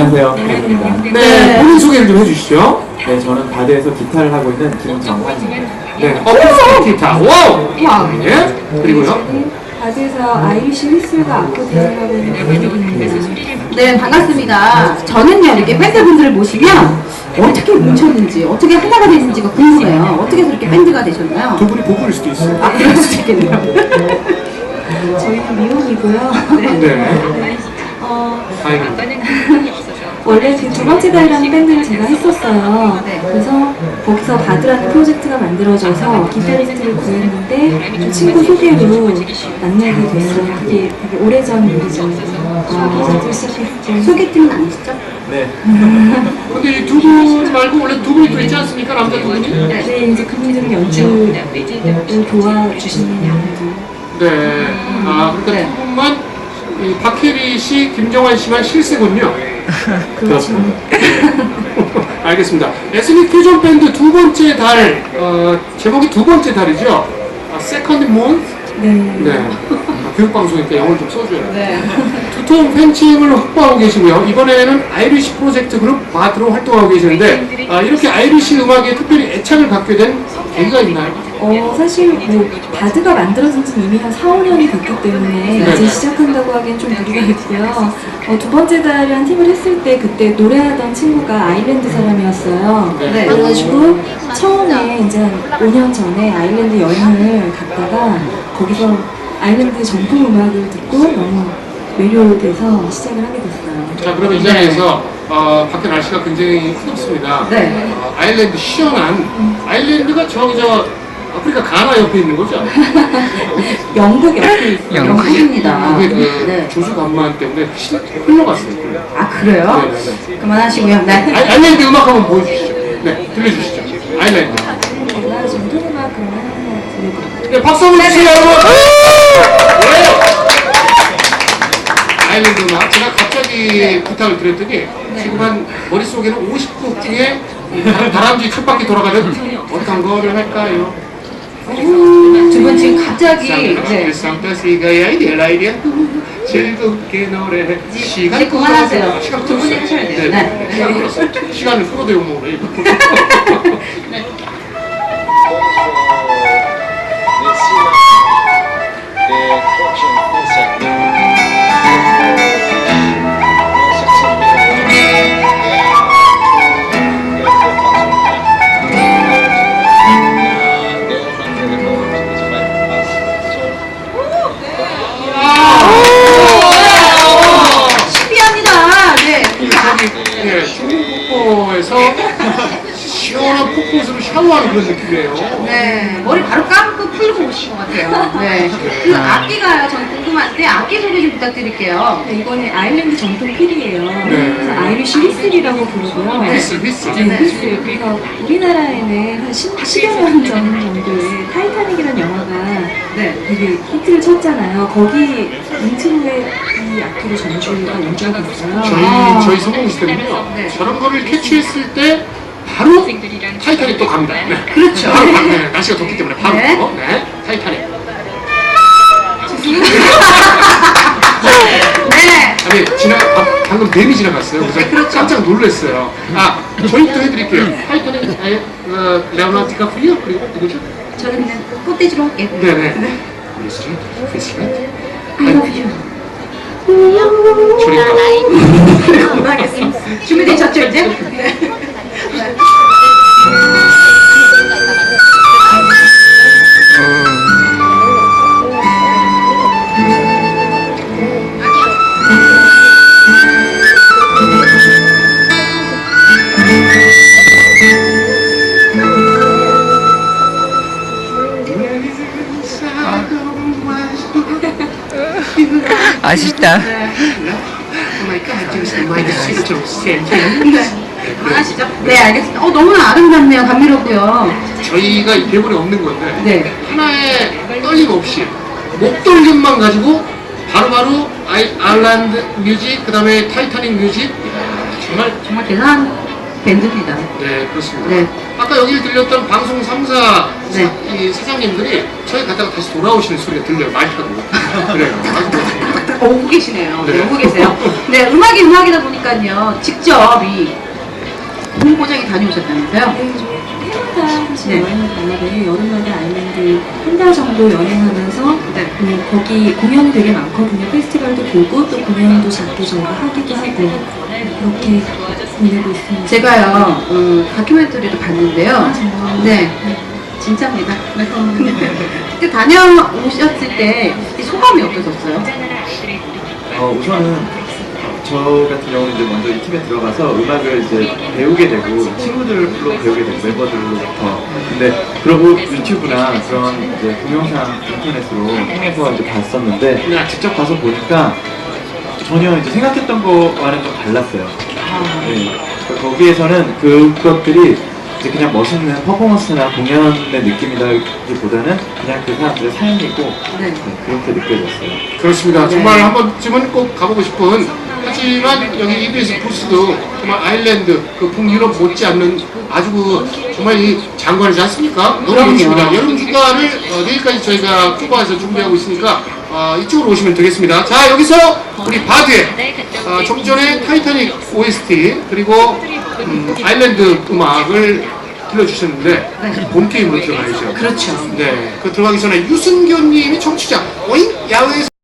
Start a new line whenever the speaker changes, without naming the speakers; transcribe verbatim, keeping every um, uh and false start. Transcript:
안녕하세요. 네,
네.
본인 소개를 좀 해주시죠. 네, 저는 바드에서 기타를 하고 있는 김정환입니다. 네, 어쿠스틱 기타. 와우!
와우.
예, 그리고요.
바드에서 아이리시 휘슬과 아코디언을 하고 있는 배드입니다.
네, 반갑습니다. 저는요, 이렇게 밴드분들을 모시면 어떻게 뭉쳤는지, 어떻게 하나가 됐는지가 궁금해요. 어떻게 그렇게 밴드가 되셨나요?
두 분이 보컬일 수도 있어요.
아, 그럴 수도 있겠네요.
저희는 미혼이고요.
네.
어,
다행입니다.
원래 그 두 번째 달이라는 밴드를 제가 했었어요.
네.
그래서 거기서 바드라는 프로젝트가 만들어져서 기타리스트를 구했는데 그 친구 소개로 만나게 됐어요. 그게 되게 오래전 일이죠. 아, 시작했죠.
소개팅은 아니시죠?
네.
근데 이 두 분 말고 원래 두 분이 또 있지 않습니까? 남자 두 분이?
네, 이제 그분들은 연주를 도와주시는 분들.
네. 아, 그러니까
네.
두 분만 이 박혜리 씨, 김정환 씨만 실세군요.
그렇죠.
알겠습니다. 에스닉 퓨전 밴드 두 번째 달, 어, 제목이 두 번째 달이죠? 아, 세컨드 몬?
네.
네. 아, 교육방송이니까 영어를 좀 써줘야 돼.
네.
두통 팬층을 확보하고 계시고요. 이번에는 아이리시 프로젝트 그룹 바드로 활동하고 계시는데, 아, 이렇게 아이리시 음악에 특별히 애착을 갖게 된 계기가 있나요?
어, 사실 뭐 바드가 만들어진 지 이미 한 사, 오 년이 됐기 때문에
네.
이제 시작한다고 하기엔 좀 무리가 있고요. 어, 두 번째 달이란 팀을 했을 때 그때 노래하던 친구가 아일랜드 사람이었어요.
네.
그래가지고 처음에 이제 한 오 년 전에 아일랜드 여행을 갔다가 거기서 아일랜드 전통 음악을 듣고 너무 매료돼서 시작을 하게 됐어요.
자, 그러면 이 자리에서 어, 밖에 날씨가 굉장히 흐겁습니다.
네.
어, 아일랜드 시원한 아일랜드가 저기 저 아프리카 가나 옆에 있는 거죠?
영국 옆에 있어요.
영국입니다.
그게 그
네.
조수 간만 때문에 실- 흘러갔어요.
아, 그래요?
네, 네, 네.
그만하시고요. 네.
아, 아일랜드 음악 한번 보여주시죠. 네, 들려주시죠. 아일랜드.
제가 전통 음악 그러면 하나 들려드릴게요.
네, 박수 한번 주세요, 여러분! 네. 아일랜드 음악. 제가 갑자기 부탁을 드렸더니 지금 한 머릿속에는 오십 곡 중에 다- 다람쥐 첫 바퀴 돌아가는 어떤 거를 할까요?
두 분 지금 갑자기, 네.
상타시가 아이디어 아이디어 즐겁게 노래해 시간
이제 그만하세요.
시간
두 분이 하셔야 돼요.
네.
네.
시간 끌었어요. 시간을 끌어도 욕먹으래.
신비합니다. 네.
저기 예, 중국 폭포에서 시원한 폭포수로 샤워하는 그런 느낌이에요.
네, 머리 바로 감고 풀고 오신 것 같아요. 네. 그 악기가요, 저는 궁금한데 악기 소개 좀 부탁드릴게요.
네, 이거는 아일랜드 전통 필이에요. 그래서 아이리시 휘슬이라고 부르고요.
휘슬, 휘슬.
네, 휘슬. 그래서 우리나라에는 한 십, 십여 년 전 정도에 타이타닉이라는 영화가
네.
되게 히트를 쳤잖아요. 거기 인트로에 이 악기를 전주가 연주하고 있어요.
저희
아.
저희 성공 시스템은요.
네.
저런 거를 캐치했을 때 바로 타이타닉 또 갑니다. 네.
그렇죠.
바로 갑니다. 네, 날씨가 덥기 때문에 바로
네.
또, 네. 타이타닉.
네.
아니 지나 아, 방금 뱀이 지나갔어요. 그래서 깜짝 놀랐어요. 아 저희 또 해드릴게요. 타이타닉 아예 어, 레오나르도 디카프리오 그리고 누구죠?
저는 그냥 꽃돼지로 할게요.
네네. 휘슬, 휘슬.
I love you.
저리가.
그만하겠습니다. 준비되셨죠, 이제? 네.
아쉽다.
하시죠. 네, 알겠습니다. 어, 너무나 아름답네요. 감미롭고요.
저희가 이 대본에 없는 건데
네.
하나의 떨림 없이 목떨림만 가지고 바로바로 아이, 아일랜드 뮤직 그 다음에 타이타닉 뮤직 정말
정말 대단한 밴드입니다.
네 그렇습니다.
네.
아까 여기를 들렸던 방송 삼 사
네.
이 사장님들이 저희 갔다가 다시 돌아오시는 소리가 들려요. 많이 하고 그래요. 아주
어, 오고 계시네요. 네,
네.
오고 계세요. 네, 음악이 음악이다 보니까요. 직접 이 본고장에 다녀오셨다면서요?
네, 좀 해마다 사실
네.
여행을 가는데 여름마다 아일랜드 한 달 정도 여행하면서
네.
음, 거기 공연이 되게 많거든요. 페스티벌도 보고 또 공연도 자꾸 저희가 하기도 하고 그렇게 보내고 있습니다.
제가요, 음, 다큐멘터리를 봤는데요.
아, 정말요?
네, 진짜입니다. 네. 그때 다녀오셨을 때 이 소감이 어떠셨어요?
어, 우선은 저 같은 경우는 이제 먼저 이 팀에 들어가서 음악을 이제 배우게 되고 친구들로 배우게 되고 멤버들로부터 근데 그러고 유튜브나 그런 이제 동영상 인터넷으로 통해서 이제 봤었는데 직접 가서 보니까 전혀 이제 생각했던 거와는 좀 달랐어요. 네. 그러니까 거기에서는 그것들이 이제 그냥 멋있는 퍼포먼스나 공연의 느낌이라기보다는 그냥 그 사람들의 삶이고
네.
네, 그렇게 느껴졌어요.
그렇습니다.
네.
정말 한 번쯤은 꼭 가보고 싶은 하지만 여기 이비에스 부스도 정말 아일랜드 그 북유럽 못지않는 아주 그 정말 이 장관이지 않습니까? 너무
그럼요.
좋습니다. 여름 휴가를 어, 내일까지 저희가 쿠바에서 준비하고 있으니까 어, 이쪽으로 오시면 되겠습니다. 자 여기서 우리 바드의 어, 좀 전에 타이타닉 오에스티 그리고 음, 아일랜드 음악을 들려주셨는데
네.
본 게임으로 들어가야죠.
그렇죠.
네, 그 들어가기 전에 유순교님이 청취자 오잉 야외에서